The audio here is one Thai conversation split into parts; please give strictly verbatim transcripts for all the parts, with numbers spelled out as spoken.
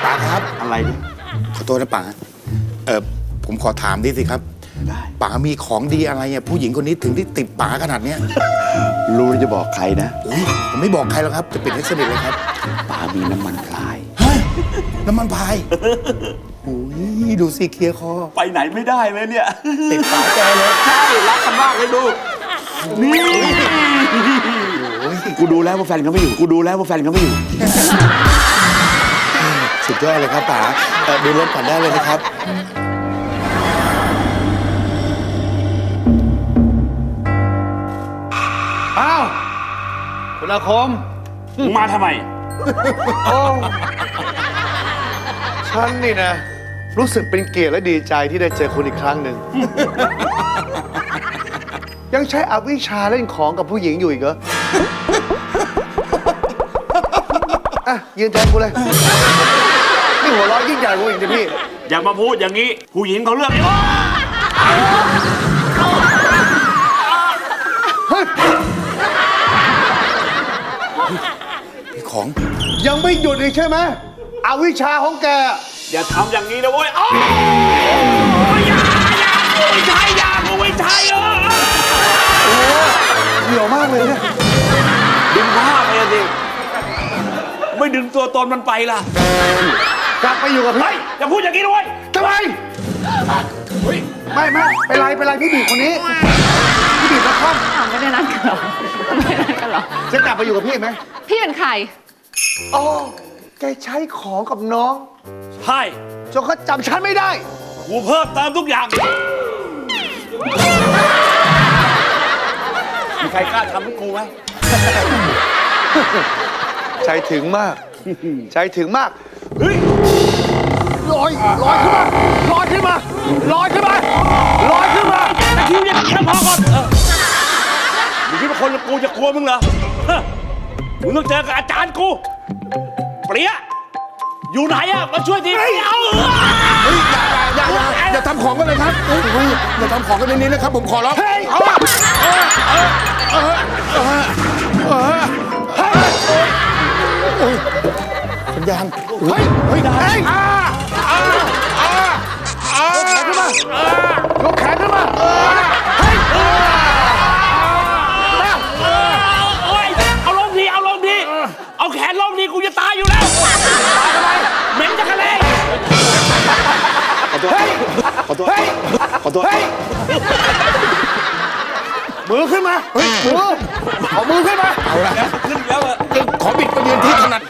ป๋าครับอะไรเนี่ยขอโทษนะป๋าเออผมขอถามดิสิครับป๋ามีของดีอะไรอ่ะผู้หญิงคนนี้ถึงที่ติดป๋าขนาดเนี้ยรู้จะบอกใครนะอุ๊ยผมไม่บอกใครหรอกครับจะปิดให้สนิทเลยครับป๋ามีน้ำมันพลายฮะน้ำมันพายโอ้ยดูสิเคลียร์คอไปไหนไม่ได้เลยเนี่ยติดป๋าแกเลยใช่รักกันมากเลยดูนี่กูดูแล้วว่าแฟนเขาไม่อยู่กูดูแล้วว่าแฟนเขาไม่อยู่สุดยอดเลยครับป๋าเอ่อดูรถก่อนได้เลยนะครับอ้าวคุณอาคมมึงมาทำไมโอ้ฉันนี่นะ รู้สึกเป็นเกียรติและดีใจที่ได้เจอคุณอีกครั้งหนึ่ง ยังใช้อวิชชาเล่นของกับผู้หญิงอยู่อีกเหรอ อ่ะ ยืนแทนกูเลย นี่หัวเร้อยยิ่งใหญ่กว่าอีกนะพี่อย่ามาพูดอย่างนี้ ผู้หญิงเขาเลือกของยังไม่หยุดอีกใช่ไหมอวิชชาของแกอย่าทำอย่างนี้นะเว้ยอ้าวอย่าอย่ากูไม่ใช่อย่ากูไม่ใช่เออโอ้เหี่ยวมากเลยเนี่ยดึงผ้าไปสิ ไม่ดึงตัวตนมันไปล่ะกลับไปอยู่กับเฮ้พี่ยอย่าพูดอย่างนี้นะเว้ยทำไมไม่ไม่เป็นไรเป็นไรพี่บีบคนนี้ พี่บีบแล้วคอมอ้าวไม่ได้นัดกันเหรอไม่ได้นัดกันเหรอจะกลับไปอยู่กับพี่ไหมพี่เป็นใครอ๋อแกใช้ของกับน้องใช่จนเขาจำฉันไม่ได้กูเพิ่มเติมทุกอย่าง มีใครกล้าทำให้กูไหมใจถึงมาก ใจถึงมากเฮ้ยลอยลอยขึ้นมาลอยขึ้นมาลอยขึ้นมาลอยขึ้นมาตะคิวเนี่ยกินน้ำพอก่อนเออมึงคิดว่าคนกูจะกลัวมึงเหรอฮะมึงต้องเจอกับอาจารย์กู เปรี้ย อยู่ไหนอะมาช่วยทีเอาเออเฮ้ยอย่าอย่าอย่าอย่าทำของกันเลยครับเฮ้ยเฮ้ยอย่าทำของกันในนี้นะครับ ผมขอร้องเฮ้ยเออเออเออเออเออเออโอ้ยสัญญาณเฮ้ยเฮ้ยได้เฮ้ยอ่าอ่าอ่าอ่าขึ้นมายกแขนขึ้นมาเฮ้ยโอ้ยเอาลงทีเอาลงทีเอาแขนลงทีกูจะตายอยู่แล้วตายทำไมเหม็นจักรเลยเฮ้ยขอโทษเฮ้ยขอโทษเฮ้ยมือขึ้นมาเฮ้ยมือเอามือขึ้นมาเอาละขึ้นแล้วอะขอบิดไปยืนที่ถนัด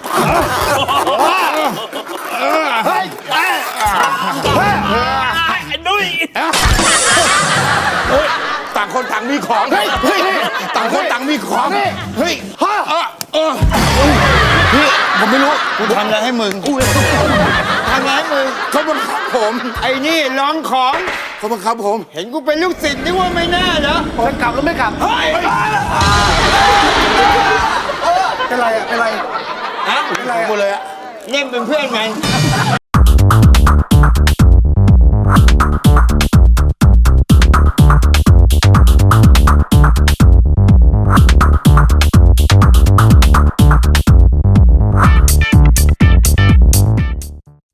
เฮ้ยไอ้ดุ้ยเฮ้ยต่างคนต่างมีของเฮ้ยเฮ้ยต่างคนต่างมีของเฮ้ยฮะเออเออพี่ผมไม่รู้กูทำอะไรให้มึงทำอะไรให้มึงเขาบังคับผมไอ้นี่ร้องของเขาบังคับผม เห็นกูเป็นลูกศิษย์นึกว่าไม่แน่เหรอจะกลับหรือไม่กลับเฮ้ยเป็นไรอะเป็นไรฮะเป็นไรกูเลยอะเล่นเป็นเพื่อนไง